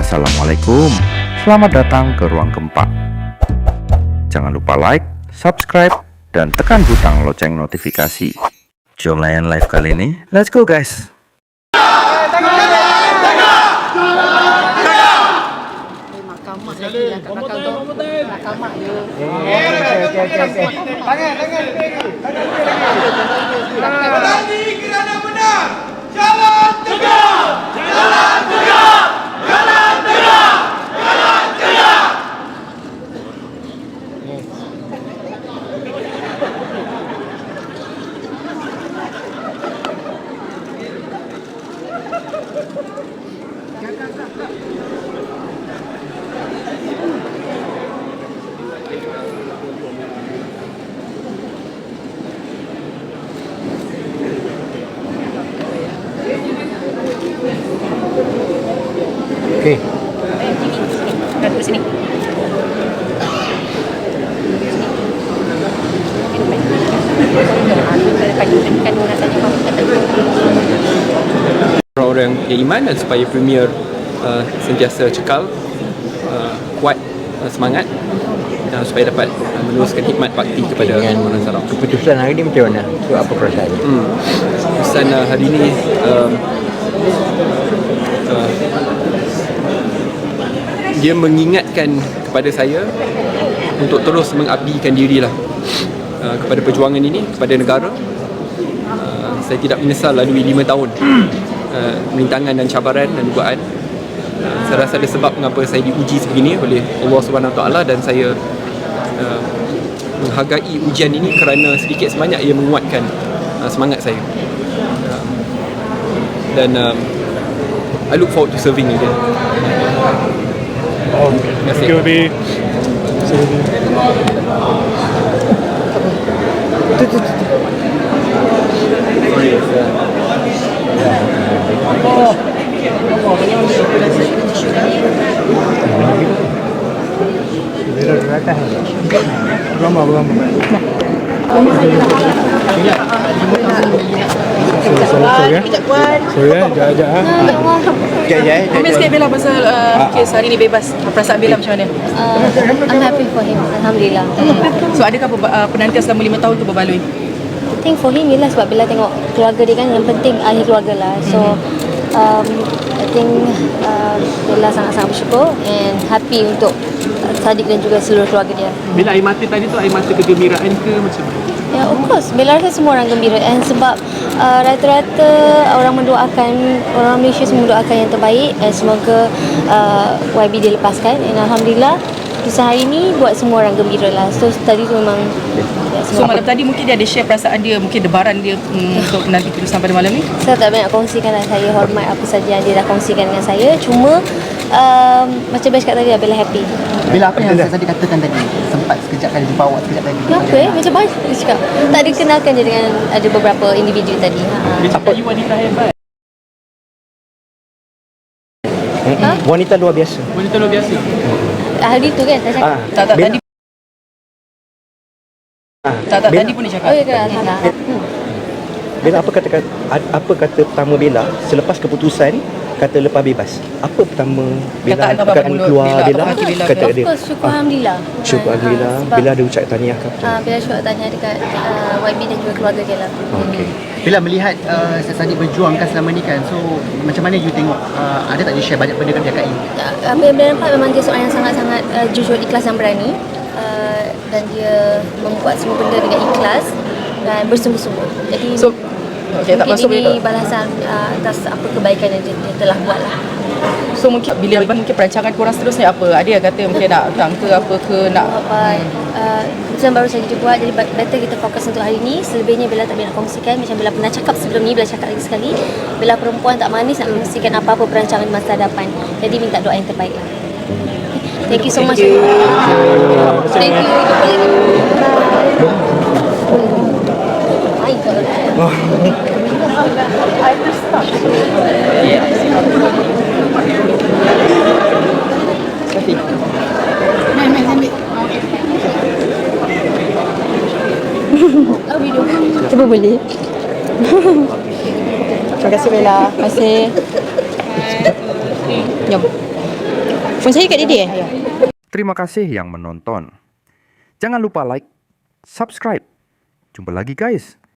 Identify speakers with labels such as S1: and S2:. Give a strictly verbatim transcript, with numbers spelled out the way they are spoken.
S1: Assalamualaikum, selamat datang ke Ruang Gempa. Jangan lupa like, subscribe, dan tekan butang lonceng notifikasi. Jom layan live kali ini, let's go guys.
S2: Berani kerana benar. Jalan tegak. Jalan tegak. Jalan tegak. Jalan tegak.
S3: Okey.
S4: Dah duduk sini.
S5: Orang-orang yang iman dan supaya Premier uh, sentiasa cekal, uh, kuat uh, semangat dan supaya dapat uh, meneruskan khidmat bakti kepada
S3: Dengan
S5: orang Sarawak.
S3: keputusan hari ini macam mana? Itu apa perasaan?
S5: Hmm. Keputusan uh, hari ini um, uh, dia mengingatkan kepada saya untuk terus mengabdikan dirilah uh, kepada perjuangan ini, kepada negara. Uh, saya tidak menyesal lalui lima tahun uh, rintangan dan cabaran dan dugaan. Uh, saya rasa ada sebab mengapa saya diuji sebegini oleh Allah Subhanahu Wa Taala, dan saya uh, menghargai ujian ini kerana sedikit sebanyak ia menguatkan uh, semangat saya. Uh, dan um, I look forward to serving again.
S6: Oh,
S5: Terima kasih.
S6: it will be Lama lama. Sorry ya. Sorry ya, jap jap ah.
S3: Sekejap ya.
S4: Komen sikit Bella pasal uh, kes hari ni bebas. Perasaan Bella macam mana?
S7: Uh, I'm happy for him. Alhamdulillah.
S4: So adakah ber- uh, penantian selama lima tahun tu berbaloi?
S7: I think for him ialah sebab Bella tengok keluarga dia kan, yang penting ahli keluarga lah. So um, I think uh, Bella sangat-sangat bersyukur and happy untuk uh, Sadiq dan juga seluruh keluarga dia.
S8: Bila air mata tadi tu air mata kegembiraan ke macam mana?
S7: Ya, of course. Bella rasa semua orang gembira, and sebab uh, rata-rata orang mendoakan, orang Malaysia semua mendoakan yang terbaik, and semoga uh, Y B dilepaskan, and Alhamdulillah kisah hari ni buat semua orang gembira lah. So tadi tu memang ya,
S4: So
S7: semua
S4: malam tadi mungkin dia ada share perasaan dia, mungkin debaran dia mm, untuk menanti keputusan pada malam ni.
S7: saya tak banyak kongsikan lah. Saya hormat apa saja yang dia dah kongsikan dengan saya. Cuma um, macam Bella cakap tadi, Bella happy.
S9: Bila apa yang saya tadi katakan tadi, sempat sekejap kali jumpa awak sekejap tadi.
S7: Kenapa eh? Macam banyak dia cakap. Tak dikenalkan je dengan ada beberapa individu tadi. Ha.
S8: Dia cakap you wanita hebat.
S7: Ha?
S3: Wanita luar biasa.
S8: Wanita luar biasa.
S7: Hari tu kan saya cakap.
S3: Ah,
S4: Tak tak
S3: Bella-
S4: tadi.
S3: ah,
S4: Tak tak
S3: Bella-
S4: tadi pun dia cakap.
S7: Oh ya ke? Alhamdulillah. Hmm.
S3: Bella, apa kata apa kata pertama Bella selepas keputusan kata lepas bebas? Apa pertama Bella
S4: Kataan apa
S3: perkataan
S4: mulut
S3: keluar
S4: Bella,
S3: Bella?
S4: apa kaki Bella
S3: Kata
S7: Of
S3: dia.
S7: course, syukur Alhamdulillah.
S3: Syukur
S7: Ha,
S3: Alhamdulillah.
S7: ha, sebab,
S3: Bella ada ucap tahniah ke apa?
S7: Ah, Bella syukur tanya dekat uh, Y B dan juga keluarga dia lah.
S3: Okey.
S9: Bila melihat uh, Sadiq berjuang kan selama ni kan, so macam mana you tengok, uh, ada tak you share banyak benda dekat K I?
S7: Uh, apa yang Bella nampak memang dia seorang yang sangat-sangat uh, jujur, ikhlas dan berani, uh, dan dia membuat semua benda dengan ikhlas dan bersungguh-sungguh. Jadi
S4: So okay, tak
S7: mungkin
S4: masuk
S7: ini
S4: Bella.
S7: balasan uh, atas apa kebaikan yang dia, dia telah buat lah.
S4: So mungkin bila mungkin perancangan korang seterusnya apa? Ada yang kata mungkin nak hutang ke apa ke nak
S7: Apa uh, keputusan baru saja dia buat, jadi better kita fokus untuk hari ni. Selebihnya Bella tak boleh nak kongsikan. Macam Bella pernah cakap sebelum ni, Bella cakap lagi sekali, Bella perempuan tak manis nak kongsikan apa-apa perancangan di masa hadapan. Jadi minta doa yang terbaik lah. Thank you so much. Thank you. My God. I just stopped. Cuba boleh.
S4: Terima kasih Bella. Terima kasih. Jom. Phone saya kat dia eh?
S1: Terima kasih yang menonton. Jangan lupa like, subscribe. Jumpa lagi guys.